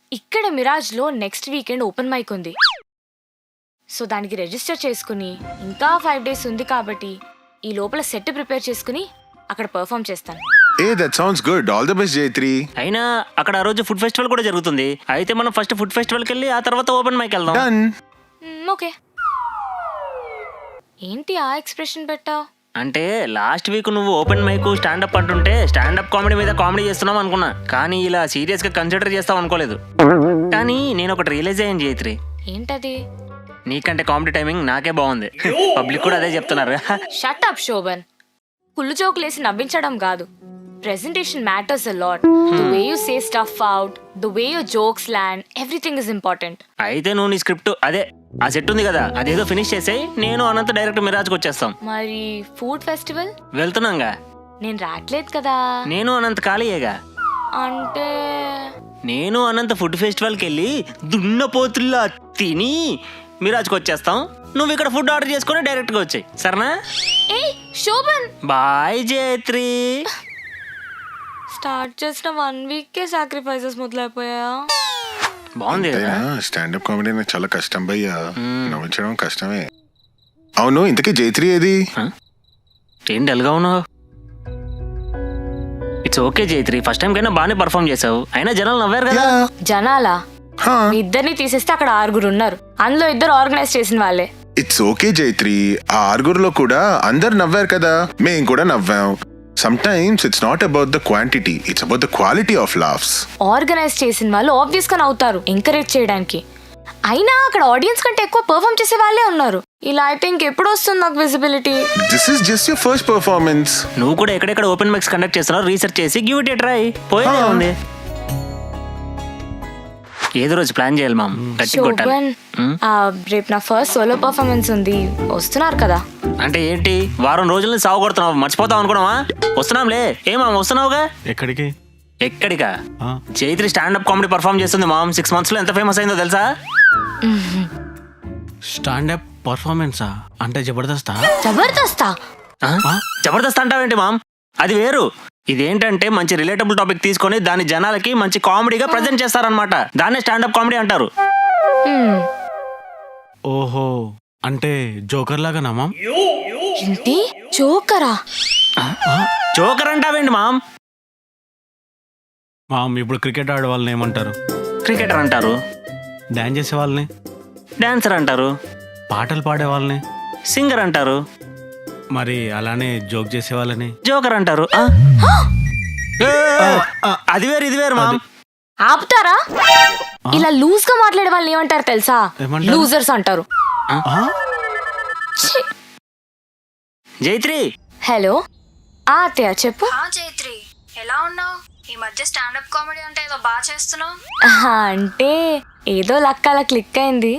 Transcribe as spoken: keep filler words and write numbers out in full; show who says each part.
Speaker 1: ఇక్కడ మిరాజ్లో next weekend open mic ఉంది. సో దానికి రిజిస్టర్ చేసుకుని ఇంకా ఫైవ్ డేస్ ఉంది కాబట్టి ఈ లోపల సెట్ ప్రిపేర్ చేసుకుని అక్కడ పర్ఫామ్ చేస్తాను.
Speaker 2: Eh that sounds good. All the best Jaitri.
Speaker 3: అయినా అక్కడ ఆ రోజు ఫుడ్ ఫెస్టివల్ కూడా జరుగుతుంది. అయితే మనం ఫస్ట్ ఫుడ్ ఫెస్టివల్కి వెళ్ళి ఆ తర్వాత ఓపెన్ మైక్ వెళ్దాం.
Speaker 2: డన్.
Speaker 1: ఓకే. ఏంటి ఆ ఎక్స్ప్రెషన్ పెట్టావు?
Speaker 3: అంటే లాస్ట్ వీక్ నువ్వు ఓపెన్ మైక్ స్టాండప్ అంటుంటే స్టాండప్ కామెడీ మీద కామెడీ చేస్తున్నావు అనుకున్నా, కానీ ఇలా సీరియస్ గా కన్సిడర్ చేస్తావు అనుకోలేదు. కానీ నేను ఒకటి రియలైజ్ అయ్యాను జైత్రి.
Speaker 1: ఏంటది?
Speaker 3: నీకంటే కామెడీ టైమింగ్ నాకే బాగుంది. పబ్లిక్ కూడా అదే చెప్తున్నారు.
Speaker 1: Shut up Shobhan. కుళ్ళు జోకులేసి నవ్వించడం కాదు. Presentation matters a lot. The way you say stuff out, the way your jokes land, everything is important.
Speaker 3: అయితే నువ్వు నీ స్క్రిప్ట్ అదే ఆ సెట్ ఉంది కదా, అదేదో ఫినిష్ చేసేయి. నేను అనంత డైరెక్ట్ మిరాజ్కి వచ్చేస్తాం.
Speaker 1: మరి ఫుడ్ ఫెస్టివల్
Speaker 3: వెళ్తున్నాగా.
Speaker 1: నేను రాట్లేదు కదా.
Speaker 3: నేను అనంత ఖాళీయేగా.
Speaker 1: అంటే
Speaker 3: నేను అనంత ఫుడ్ ఫెస్టివల్కి వెళ్ళి దున్నపోతుల్లా తిని మిరాజ్కి వచ్చేస్తాం. నువ్వు ఇక్కడ ఫుడ్ ఆర్డర్ చేసుకుని డైరెక్ట్గా వచ్చాయి, సరేనా?
Speaker 1: ఏ శోభన్,
Speaker 3: బాయ్ జైత్రి.
Speaker 1: స్టార్ట్ చేసిన వన్ వీక్ కే సాక్రిఫైసెస్ మొదలైపోయా.
Speaker 3: బాగుంది కదా.
Speaker 2: స్టాండప్ కామెడీ నాకు చాలా కష్టం భయ్యా, నవ్వించడం కష్టమే. అవును, ఇంతకీ జైత్రి ఏది?
Speaker 3: ఏం డల్గా ఉన్నావు? It's okay Jaitri, first time కైనా బాగానే పర్ఫామ్ చేసావు. అయినా జనాలు నవ్వారు కదా.
Speaker 1: జనాలా?
Speaker 2: హా.
Speaker 1: మీ ఇద్దరిని తీసేస్తే అక్కడ ఆరుగురు ఉన్నారు. అందులో ఇద్దరు ఆర్గనైజ్ చేసిన వాళ్ళే.
Speaker 2: ఇట్స్ ఓకే జైత్రి, ఆ ఆరుగురులో కూడా అందరు నవ్వారు కదా, మేం కూడా నవ్వాం. Sometimes it's not about the quantity, it's about the quality of laughs.
Speaker 1: Organise చేసిన వాళ్ళు ఆబ్వియస్ గా నవ్వుతారు ఎంకరేజ్ చేయడానికి. అయినా అక్కడ ఆడియన్స్ కంటే ఎక్కువ పర్ఫామ్ చేసే వాళ్ళే ఉన్నారు. ఇలా అయితే ఇంకెప్పుడు వస్తుంది నాకు visibility?
Speaker 2: This is just your first performance.
Speaker 3: నువ్వు కూడా ఎక్కడెక్కడ ఓపెన్ మైక్స్ కండక్ట్ చేస్తున్నావు రీసెర్చ్ చేసి గివ్ ఇట్ ఏ ట్రై. పోయేదే ఉంది. ఏదో రోజు ప్లాన్ చేయాలి మామ్, గట్టి కొట్టాలి.
Speaker 1: శోభన్, ఆ, రేపు నా ఫస్ట్ సోలో పర్ఫార్మెన్స్ ఉంది, వస్తున్నారు కదా?
Speaker 3: అంటే ఏంటి వారం రోజులని సాగు కొడుతున్నావు, మర్చిపోతావు అనుకున్నావా? వస్తున్నాంలే. ఏమా వస్తున్నావుగా?
Speaker 4: ఎక్కడికి?
Speaker 3: ఎక్కడికా? జైత్రి స్టాండప్ కామెడీ పర్ఫామ్ చేస్తుంది మామ్. సిక్స్ మంత్స్ లో ఎంత ఫేమస్ అయిందో తెలుసా?
Speaker 4: స్టాండప్ పర్ఫార్మెన్సా? అంటే జబర్దస్తా?
Speaker 1: జబర్దస్తా?
Speaker 3: జబర్దస్త్ అంటావేంటి మామ్? అది వేరు. ఇదేంటంటే మంచి రిలేటబుల్ టాపిక్ తీసుకొని దాని జనాలకి మంచి కామెడీగా ప్రజెంట్ చేస్తారనమాట. దాన్నే స్టాండప్ కామెడీ అంటారు.
Speaker 4: ఓహో, అంటే జోకర్ లాగానా మామ్?
Speaker 1: ఏంటి జోకరా?
Speaker 3: జోకర్ అంటావేంటి మామ్?
Speaker 4: మామ్, ఇప్పుడు క్రికెట్ ఆడే వాళ్ళని ఏమంటారు?
Speaker 3: క్రికెటర్ అంటారు.
Speaker 4: డాన్స్ చేసే వాళ్ళని?
Speaker 3: డాన్సర్ అంటారు.
Speaker 4: పాటలు పాడే వాళ్ళని?
Speaker 3: సింగర్ అంటారు.
Speaker 4: మరి అలానే జోక్ చేసే వాళ్ళని?
Speaker 3: జోకర్ అంటారు. అది వేరు ఇది వేరు మామ్.
Speaker 1: ఆపుతారా? ఇలా లూజ్ గా మాట్లాడే వాళ్ళని ఏమంటారు తెలుసా?
Speaker 4: ఏమంటారు?
Speaker 1: లూజర్స్ అంటారు. ఛీ.
Speaker 3: జైత్రి.
Speaker 1: హలో. ఆ అత్తయ్య చెప్పు.
Speaker 5: జైత్రి, ఎలా ఉన్నావు? ఈ మధ్య స్టాండప్ కామెడీ అంటే ఏదో బాగా చేస్తున్నావు.
Speaker 1: అంటే ఏదో లక్క అలా క్లిక్ అయింది.